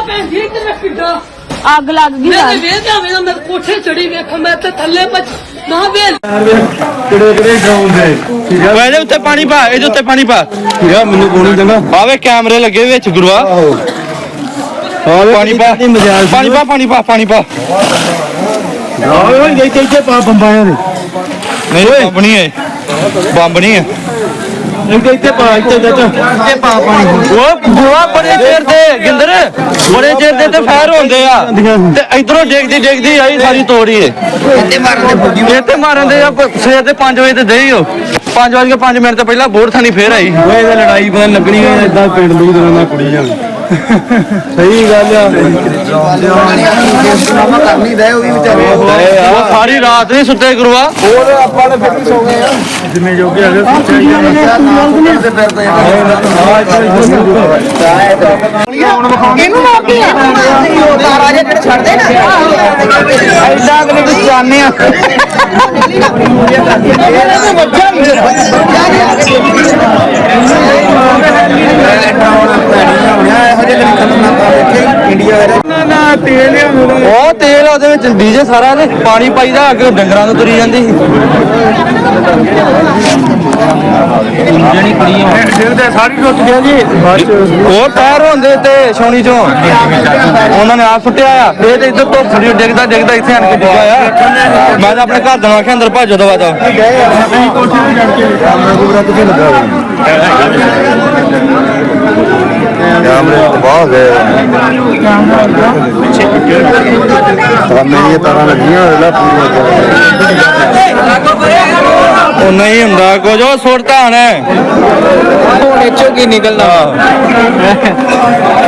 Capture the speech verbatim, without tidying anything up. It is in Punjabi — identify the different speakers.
Speaker 1: ਅੱਗ ਲੱਗ ਗਈ
Speaker 2: ਮੈਂ ਵੇਖ ਜਾਵੇਂ ਮੈਂ ਕੋਠੇ ਚੜੀ ਵੇਖ ਮੈਂ ਤੇ ਥੱਲੇ ਪੱਜ ਨਾ ਵੇਲ
Speaker 3: ਕਿਹੜੇ ਕਿਹੜੇ ਗਰਾਊਂਡ ਦੇ ਠੀਕ ਆ
Speaker 4: ਇਹਦੇ ਉੱਤੇ ਪਾਣੀ ਪਾ ਇਹਦੇ ਉੱਤੇ ਪਾਣੀ ਪਾ
Speaker 3: ਠੀਕ ਆ ਮੈਨੂੰ ਕੋਣੀ ਚੰਗਾ
Speaker 4: ਆਵੇ ਕੈਮਰੇ ਲੱਗੇ ਵਿੱਚ ਗੁਰੂਆ ਪਾਣੀ ਪਾ ਪਾਣੀ ਪਾ ਪਾਣੀ ਪਾ ਪਾਣੀ ਪਾ
Speaker 3: ਓਏ ਓਏ ਇੱਥੇ ਇੱਥੇ ਪਾ ਬੰਬਾਂ ਦੇ
Speaker 4: ਨਹੀਂ ਬੰਬ ਨਹੀਂ ਹੈ ਬੰਬ ਨਹੀਂ ਹੈ
Speaker 3: ਇੱਥੇ ਇੱਥੇ ਪਾ ਇੱਥੇ ਇੱਥੇ ਪਾ ਪਾਣੀ
Speaker 4: ਉਹ ਗੁਰੂਆ ਬੜੇ ਚਿਰ ਦੇ ਗਿੰਦਰ ਬੜੇ ਚਿਰ ਦੇ ਤੇ ਫਾਇਰ ਹੁੰਦੇ ਆ ਤੇ ਇਧਰੋਂ ਡੇਗਦੀ ਡੇਗਦੀ ਆਈ ਸਾਰੀ ਤੋੜੀ ਏ ਇੱਥੇ ਮਾਰਨ ਦੇ ਇੱਥੇ ਮਾਰਨ ਦੇ ਆ ਸਵੇਰ ਦੇ ਪੰਜ ਵਜੇ ਤੇ ਦੇਈ ਹੋ ਪੰਜ ਵਜੇ ਪੰਜ ਮਿੰਟ ਤੋਂ ਪਹਿਲਾਂ ਬੋਰ ਥਾਣੀ ਫੇਰ ਆਈ
Speaker 3: ਓਏ ਇਹ ਲੜਾਈ ਪਤਾ ਲੱਗਣੀ ਹੈ ਇਦਾਂ ਪਿੰਡ ਦੀ ਤਰ੍ਹਾਂ ਨਾਲ ਕੁੜੀ ਜਾਣ ਸਹੀ ਗੱਲ ਆ ਕਰਨੀ ਦੇ ਉਹ ਵੀ ਵਿਚਾਰੇ
Speaker 4: ਉਹ ਸਾਰੀ ਰਾਤ ਨਹੀਂ ਸੁੱਤੇ ਗੁਰੂਆ
Speaker 3: ਹੋਰ ਆਪਾਂ ਨੇ ਫਿਰ ਸੋ ਗਏ ਆ ਜਿੰਨੇ ਜੋਗੇ ਅਗਰ
Speaker 1: ਇਹਨੂੰ ਮੋਕੀ ਆ ਤਾਰਾ ਜੇ ਜਿਹੜੇ ਛੱਡਦੇ ਨਾ
Speaker 4: ਐਡਾ ਅਗਲੇ ਨੂੰ ਚਾਹਨੇ ਆ ਉਹ ਤੇਲ ਉਹਦੇ ਵਿੱਚ ਡੀਜੇ ਸਾਰਾ ਤੇ ਪਾਣੀ ਪਾਈਦਾ ਅੱਗੇ ਡੰਗਰਾਂ ਨੂੰ ਤੁਰੀ ਜਾਂਦੀ ਸੀ ਜਿਹੜੀ ਕੁੜੀ
Speaker 3: ਜਿੰਦੇ ਸਾਰੀ ਟੁੱਟ ਗਿਆ ਜੀ
Speaker 4: ਉਹ ਪੈਰ ਹੁੰਦੇ ਤੇ ਛਾਉਣੀ ਚੋਂ ਉਹਨਾਂ ਨੇ ਆ ਸੁੱਟਿਆ ਆ ਇਹ ਤੇ ਇੱਧਰ ਤੋਂ ਥੋੜੀ ਡਿੱਗਦਾ ਡਿੱਗਦਾ ਇੱਥੇ ਆਣ ਕੇ ਡਿੱਗਾ ਆ ਮੈਂ ਤਾਂ ਆਪਣੇ ਘਰ ਦੇ ਆਖਿਆ ਅੰਦਰ ਭੱਜੋ ਦਵਾ ਦਾ
Speaker 3: ਕੈਮਰੇ ਤਬਾਹ ਹੋ ਗਏ ਮੇਰੀਆਂ ਤਾਰਾਂ ਲੱਗੀਆਂ ਹੋਇਆ
Speaker 4: ਉਹ ਨਹੀਂ ਹੁੰਦਾ ਕੁਝ ਉਹ ਸੁੱਟਦਾ ਹਣ ਹੁਣ ਇੱਚੋ ਕੀ ਨਿਕਲਦਾ